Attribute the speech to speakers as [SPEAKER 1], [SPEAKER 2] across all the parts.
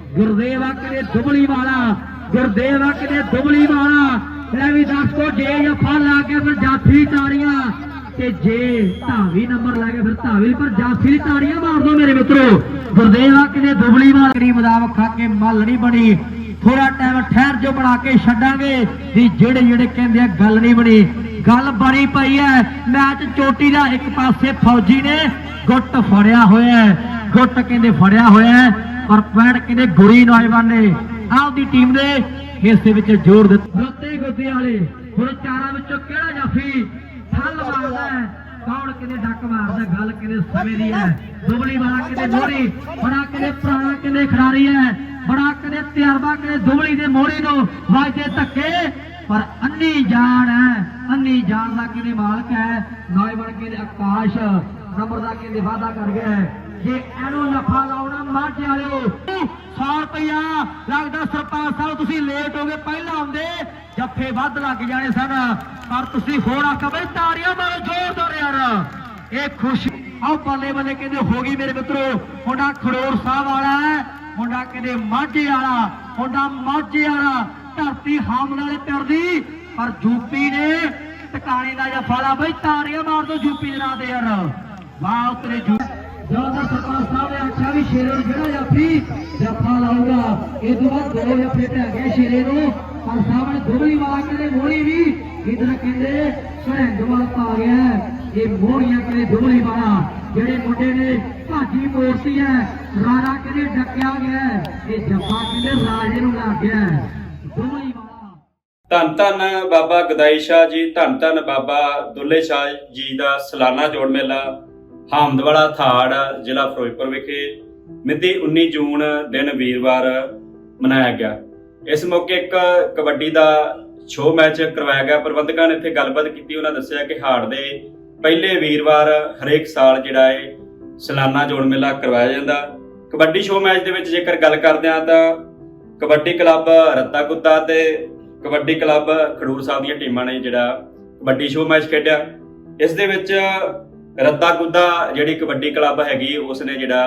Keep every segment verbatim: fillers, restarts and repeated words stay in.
[SPEAKER 1] गुरदेव आके दुबली वाला गुरदेव आके दुबली वाला ले भी दस को जे जफा ला के फिर जाफी ताड़ियां ते जे धावी नंबर ला के फिर धावी पर जाफी ताड़ियां मार दो मेरे मित्रों। गुरदेव आके दुबली वाला करी मुताबिक खा के मल नहीं बनी थोड़ा टाइम ठहर जो बना के छड्डांगे भी जेड़े जेड़े कहंदे गल नहीं बनी गल बनी पई है। मैच चोटी का एक पासे फौजी ने गुट फड़िया होया है गुट कहंदे फड़िया होया है पर पैंट कहंदे गुरी नौजवान ने आपकी टीम ने हिस्से विच जोर दिता। रोते गोते वाले हुण चारां विचों किहड़ा जाफी फल मारदा है कौन कहंदे डक मारदा गल कहंदे समय दी है। दुबली वाला कहंदे मोहरी बड़ा कहंदे पुराना कहंदे खिडारी है बड़ा कहंदे तजर्बा कहंदे दुबली दे मोहरी नूं वाजदे धक्के पर अन्नी जान है अन्नी जान का कहंदे मालक है। नौजवान कहंदे आकाश नंबर का कहंदे वादा कर गया है जे एनू नफा लाउणा माझे वालिओ सौ रुपया लगदा सरपंच साहब तुसीं लेट हो गए पहला आउंदे जफे वध लग जाने सन पर तुसीं होण आखा बई ताड़ियां मारो जोरदार यार ये खुशी आओ बल्ले बल्ले कहंदे हो गई मेरे मित्रों। मुंडा खड़ोर साहब वाला है मुंडा कहंदे माझे वाला मुंडा माझे वाला धरती हामद वाले पिंड दी पर यूपी ने टकाने का जफा ला बई ताड़ियां मार दो यूपी जरा दे यार वाह उतरे ज्यादा सरपंच साहब ने आख्या भी शेरे जो जाफी जफा लाऊगा ये तो बाद दो जफे ढह गए शेरे नूं पर साहब ने दुबली वाला कहते मोहरी भी इधर कहते सरहंद वाल पा गया ये मोहरियां कहते दुबली वाला जेडे मुंडे ने भाजी मोड़ती है राजा कहते डकिया गया ये जफा कहते राजे नूं लग गया दुबली वाला।
[SPEAKER 2] धन धन बाबा गदाई शाह जी धन धन बाबा दुल्ले शाह जी का सालाना जोड़ मेला हामदवाला थाड़ जिला फिरोजपुर विखे मिति उन्नी जून दिन वीरवार मनाया गया। इस मौके एक कबड्डी का शो मैच करवाया गया। प्रबंधकों ने इत्थे गलबात की उन्होंने दस्सिया कि हाड़ दे पहले वीरवार हरेक साल जिहड़ा है सालाना जोड़ मेला करवाया जाता। कबड्डी शो मैच के जेकर गल करते हैं तो कबड्डी क्लब रत्ता कुत्ता ते कबड्डी क्लब खडूर साहब दी टीमां ने जिहड़ा कबड्डी शो मैच खेडिया। इस दे विच रत्ता कुद्दा जिहड़ी कबड्डी क्लब हैगी उसने जिहड़ा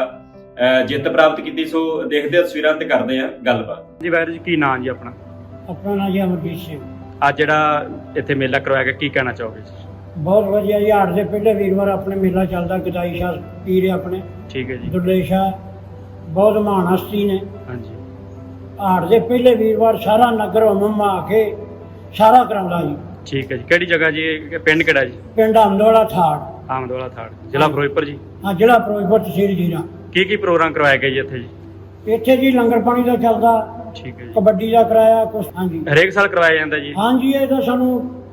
[SPEAKER 2] जित प्राप्त की। सो देखते तस्वीरां ते करते हैं गलबात जी। वाहिर जी की नाम जी अपना
[SPEAKER 3] अपना नाम जी अमरजीत सिंह।
[SPEAKER 2] आज जिहड़ा इत्थे मेला करवाया गया की कहना चाहोगे जी?
[SPEAKER 3] बहुत वधिया जी। हाड़ दे पहले वीरवार अपने मेला चलदा गदाई शाह पीर अपने
[SPEAKER 2] ठीक है जी
[SPEAKER 3] दुल्ले शाह बहुत महान हस्ती ने।
[SPEAKER 2] हाँ जी
[SPEAKER 3] हाड़ दे पहले वीरवार सारा नगर मम्मा आके सारा करांदा जी।
[SPEAKER 2] ठीक है जी। किहड़ी जगह जी पिंड किहड़ा जी?
[SPEAKER 3] पिंड हामदवाला थाड़
[SPEAKER 2] हामदवाला थाड़ जिला फिरोजपुर जी।
[SPEAKER 3] हाँ जिला फिरोजपुर तहसील जीरा।
[SPEAKER 2] की की प्रोग्राम करवाया गया जी इत्थे जी?
[SPEAKER 3] इत्थे जी लंगर पानी का चलदा
[SPEAKER 2] ठीक है जी।
[SPEAKER 3] कबड्डी का कराया कुछ। हाँ जी
[SPEAKER 2] हरेक साल करवाया जाता जी?
[SPEAKER 3] हाँ जी ये तो सानू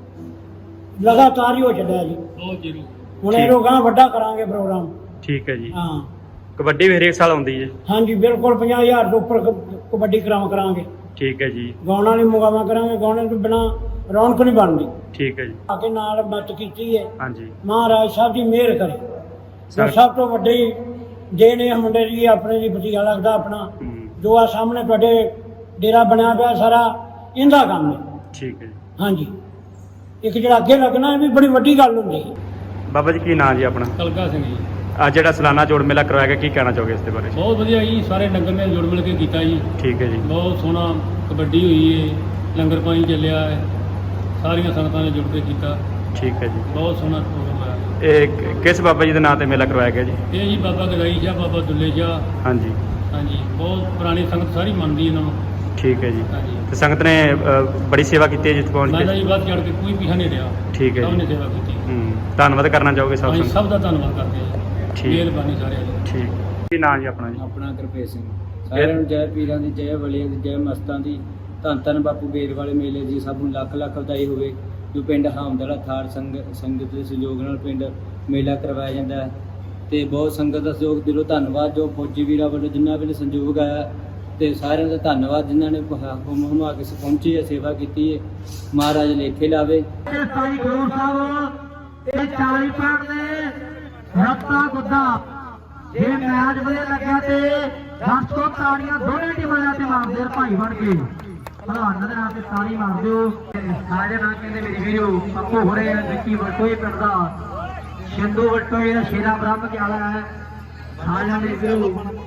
[SPEAKER 3] लगातार ही हो चलिया जी बहुत जरूर हुण
[SPEAKER 2] ठीक।
[SPEAKER 3] इहनूं गांह वड्डा करांगे प्रोग्राम।
[SPEAKER 2] ठीक है जी।
[SPEAKER 3] हाँ
[SPEAKER 2] कबड्डी भी हरेक साल आउंदी है?
[SPEAKER 3] हाँ जी बिल्कुल पचास हज़ार तो उपर कबड्डी कराम करांगे।
[SPEAKER 2] ठीक है जी।
[SPEAKER 3] गाउणा नहीं मुकामा करांगे गाउणे तो बिना रौनक नहीं बनती।
[SPEAKER 2] ठीक है जी।
[SPEAKER 3] आके नाल मत की है
[SPEAKER 2] हाँ जी
[SPEAKER 3] महाराज साहब की मेहर करे जो सब तो वड्डी जे ने मुंडे जी अपने जी भतीजा लगता अपना जो आ सामने तुहाडे डेरा बनया पिया सारा इनका काम है।
[SPEAKER 2] ठीक है जी।
[SPEAKER 3] हाँ जी एक जिहड़ा अगे लगना भी बड़ी वड्डी गल हुंदी है।
[SPEAKER 2] बाबा जी की नाम जी अपना?
[SPEAKER 4] कलका सिंह जी।
[SPEAKER 2] आज जिहड़ा सालाना जोड़ मेला करवाया गया की कहना चाहोगे इसके बारे?
[SPEAKER 4] बहुत वधिया जी सारे नगर ने जुड़ मिल के कीता जी।
[SPEAKER 2] ठीक है जी।
[SPEAKER 4] बहुत सोहना कबड्डी हुई है लंगर पानी चलिया है सारिया संगतां ने जुड़ के कीता।
[SPEAKER 2] ठीक है जी।
[SPEAKER 4] बहुत सोहना प्रोग्राम होया।
[SPEAKER 2] ਇਹ ਕਿਸ ਬਾਬਾ ਜੀ ਦੇ ਨਾਂ ਤੇ ਮੇਲਾ ਕਰਵਾਇਆ ਗਿਆ ਜੀ?
[SPEAKER 4] ये जी बाबा गदाई शाह बाबा दुल्ले शाह।
[SPEAKER 2] हाँ जी
[SPEAKER 4] हाँ जी बहुत पुरानी संगत सारी मानती है इन्हों।
[SPEAKER 2] ठीक है जी।
[SPEAKER 4] हाँ जी
[SPEAKER 2] ਤੇ ਸੰਗਤ ਨੇ ਅ, ਬੜੀ ਸੇਵਾ ਕੀਤੀ ਹੈ ਜਿੱਥੇ ਪਹੁੰਚ
[SPEAKER 4] मैं
[SPEAKER 2] ਕੇ?
[SPEAKER 4] जी बात चढ़ के कोई पीछा नहीं रहा।
[SPEAKER 2] ठीक है
[SPEAKER 4] सब
[SPEAKER 2] जी।
[SPEAKER 4] ने सेवा की।
[SPEAKER 2] ਹੂੰ ਧੰਨਵਾਦ ਕਰਨਾ ਚਾਹੋਗੇ ਸਭ
[SPEAKER 4] ਅਸੀਂ
[SPEAKER 2] ਸੰਗਤ?
[SPEAKER 4] ਸਭ ਦਾ ਧੰਨਵਾਦ ਕਰਦੇ ਹਾਂ ਜੀ।
[SPEAKER 2] ਠੀਕ।
[SPEAKER 4] ਮਿਹਰਬਾਨੀ ਸਾਰਿਆਂ ਦੀ।
[SPEAKER 2] ਠੀਕ। ਕੀ ਨਾਮ ਜੀ ਆਪਣਾ ਜੀ?
[SPEAKER 5] ਆਪਣਾ ਗੁਰਪ੍ਰੀਤ ਸਿੰਘ। ਸਾਰਿਆਂ ਨੂੰ ਜੈ ਪੀਰਾਂ ਦੀ ਜੈ ਵਲੀਆਂ ਦੀ ਜੈ ਮਸਤਾਂ ਦੀ। ਧੰਨ ਧੰਨ ਬਾਪੂ ਬੇਰ ਵਾਲੇ ਮੇਲੇ ਦੀ ਸਭ ਨੂੰ ਲੱਖ ਲੱਖ ਵਧਾਈ ਹੋਵੇ। ਜੋ ਪਿੰਡ ਹਾਮਦਵਾਲਾ ਥਾੜ ਸੰਗ ਸੰਗਤ ਦੇ ਸਹਿਯੋਗ ਨਾਲ ਪਿੰਡ ਮੇਲਾ ਕਰਵਾਇਆ ਜਾਂਦਾ ਹੈ ਤੇ ਬਹੁਤ ਸੰਗਤ ਦਾ ਸਹਿਯੋਗ ਦਿਲੋਂ ਧੰਨਵਾਦ। ਜੋ ਫੌਜੀ ਵੀਰਾਂ ਵੱਲੋਂ ਜਿੰਨਾ ਵੀ ਸੰਯੋਗ ਆਇਆ ਤੇ ਸਾਰਿਆਂ ਦਾ ਧੰਨਵਾਦ ਜਿਨ੍ਹਾਂ ਨੇ ਹੁਮ ਹੁਮਾ ਕੇ ਪਹੁੰਚੀ ਹੈ ਸੇਵਾ ਕੀਤੀ ਹੈ। ਮਹਾਰਾਜ ਲੇਖੇ ਲਾਵੇ।
[SPEAKER 1] ਸਾਈ ਖਡੂਰ ਸਾਹਿਬ ਇਹ ਚਾਲੀ ਪੁਆਇੰਟ ਨੇ ਰੱਤਾ ਗੁੱਦਾ ਜੇ ਮੈਚ ਵਧੀਆ ਲੱਗਿਆ ਤੇ ਦਸ ਤੋਂ ਤਾੜੀਆਂ ਦੋਨੇ ਟੀਮਾਂ ਦੇ ਤੇ ਮਾਰਦੇ ਭਾਈ ਬਣ ਕੇ ਭਲਵਾਨਾਂ ਦੇ ਨਾਂ ਤੇ ਤਾੜੀ ਮਾਰ ਦਿਓ। ਸਾਰੇ ਨਾਂ ਕਹਿੰਦੇ ਮੇਰੀ ਵੀਰੋ ਪੱਪੂ ਹੋ ਰਹੇ ਵਿੱਕੀ ਵਟੋਏ ਪਿੰਡ ਦਾ ਸਿੰਧੂ ਵਟੋਏ ਦਾ ਸ਼ੇਰਾ ਬ੍ਰਹਮ ਕੇ ਆਲਾ ਹੈ। ਸਾਰਿਆਂ ਦੇ ਵੀਰੋ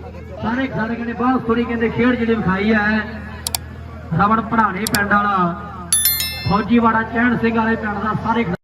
[SPEAKER 1] ਸਾਰੇ ਖਿਡਾਰੀ ਕਹਿੰਦੇ ਬਹੁਤ ਸੋਹਣੀ ਕਹਿੰਦੇ ਖੇਡ ਜਿਹੜੀ ਵਿਖਾਈ ਹੈ। ਰਮਨ ਪੜਾਣੇ ਪਿੰਡ ਵਾਲਾ, ਫੌਜੀਵਾੜਾ ਚਹਿਣ ਸਿੰਘ ਵਾਲੇ ਪਿੰਡ ਦਾ ਸਾਰੇ